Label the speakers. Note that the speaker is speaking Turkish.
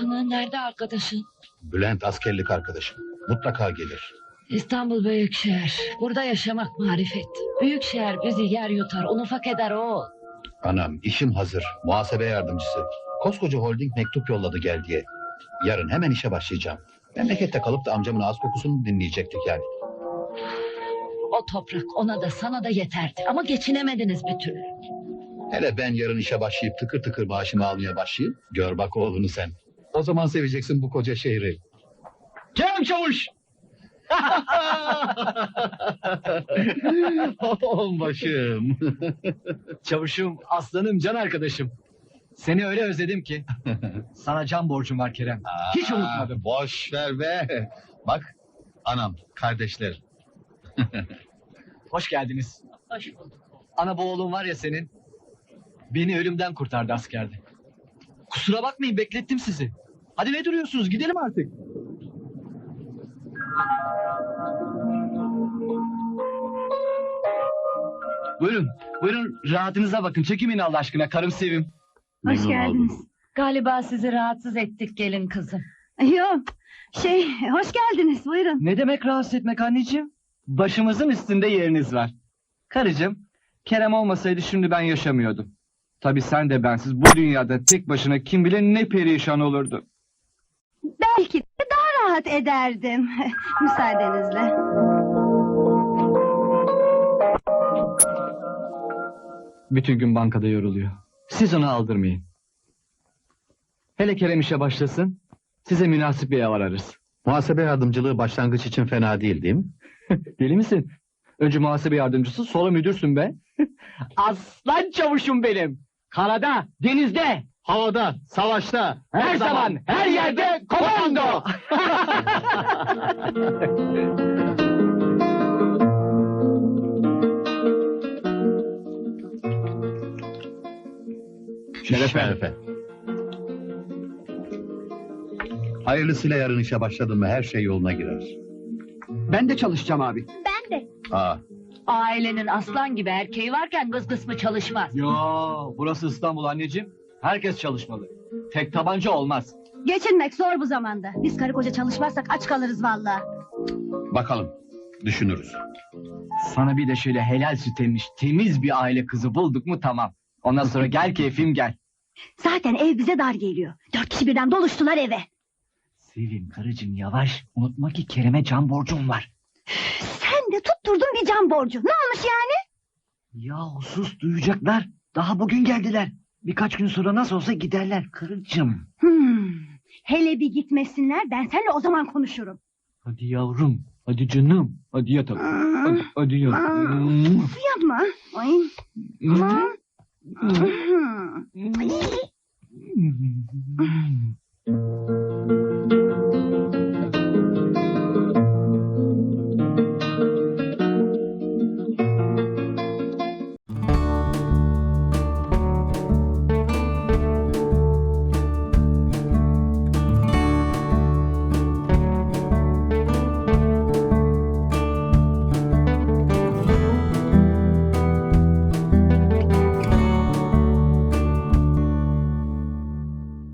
Speaker 1: Nerede arkadaşın?
Speaker 2: Bülent askerlik arkadaşım. Mutlaka gelir.
Speaker 1: İstanbul büyük şehir. Burada yaşamak marifet. Büyük şehir bizi yer yutar, un ufak eder oğul.
Speaker 2: Anam işim hazır. Muhasebe yardımcısı. Koskoca holding mektup yolladı gel diye. Yarın hemen işe başlayacağım. Memlekette kalıp da amcamın ağız kokusunu dinleyecektik yani.
Speaker 1: O toprak ona da sana da yeterdi. Ama geçinemediniz bir türlü.
Speaker 2: Hele ben yarın işe başlayıp tıkır tıkır maaşımı almaya başlayayım. Gör bak oğlunu sen. O zaman seveceksin bu koca şehri.
Speaker 3: Kerem Çavuş!
Speaker 2: Başım.
Speaker 3: Çavuşum, aslanım, can arkadaşım. Seni öyle özledim ki. Sana can borcum var Kerem. Hiç unutmadım.
Speaker 2: Boş ver be. Bak anam, kardeşler.
Speaker 3: Hoş geldiniz.
Speaker 1: Hoş bulduk.
Speaker 3: Ana bu oğlun var ya senin. Beni ölümden kurtardı askerde. Kusura bakmayın, beklettim sizi. Hadi ne duruyorsunuz, gidelim artık. Buyurun, buyurun rahatınıza bakın. Çekimin Allah aşkına, karım Sevim.
Speaker 4: Hoş geldiniz.
Speaker 1: Galiba sizi rahatsız ettik gelin kızım.
Speaker 4: Yok, hoş geldiniz, buyurun.
Speaker 3: Ne demek rahatsız etmek anneciğim? Başımızın üstünde yeriniz var. Karıcığım, Kerem olmasaydı şimdi ben yaşamıyordum. Tabii sen de bensiz bu dünyada tek başına kim bilir ne perişan olurdu.
Speaker 4: Belki de daha rahat ederdim. Müsaadenizle.
Speaker 3: Bütün gün bankada yoruluyor. Siz onu aldırmayın. Hele Kerem işe başlasın, size münasip bir ev ararız.
Speaker 2: Muhasebe yardımcılığı başlangıç için fena değil değil mi?
Speaker 3: Deli misin? Önce muhasebe yardımcısı, sonra müdürsün be. Aslan çavuşum benim. Karada, denizde, havada, savaşta, her zaman, her yerde komando.
Speaker 2: Şerefe. Hayırlısıyla yarın işe başladın mı her şey yoluna girer.
Speaker 3: Ben de çalışacağım abi.
Speaker 2: Aa,
Speaker 1: Ailenin aslan gibi erkeği varken kız kısmı çalışmaz.
Speaker 3: Yo, burası İstanbul anneciğim. Herkes çalışmalı. Tek tabanca olmaz.
Speaker 4: Geçinmek zor bu zamanda. Biz karı koca çalışmazsak aç kalırız vallahi.
Speaker 2: bakalım, düşünürüz.
Speaker 3: Sana bir de şöyle helal süt emmiş, temiz bir aile kızı bulduk mu tamam. Ondan sonra gel keyfim gel.
Speaker 4: Zaten ev bize dar geliyor. 4 kişi birden doluştular eve.
Speaker 3: Sevim karıcığım yavaş. Unutma ki Kerem'e can borcum var.
Speaker 4: Sen de tutturdun bir can borcu. Ne olmuş yani?
Speaker 3: Ya sus duyacaklar. Daha bugün geldiler. Birkaç gün sonra nasıl olsa giderler karıcığım.
Speaker 4: Hele bir gitmesinler, ben seninle o zaman konuşurum.
Speaker 3: Hadi yavrum. Hadi canım. Hadi yatalım. Hadi yavrum.
Speaker 4: Yapma. Ay. Ay.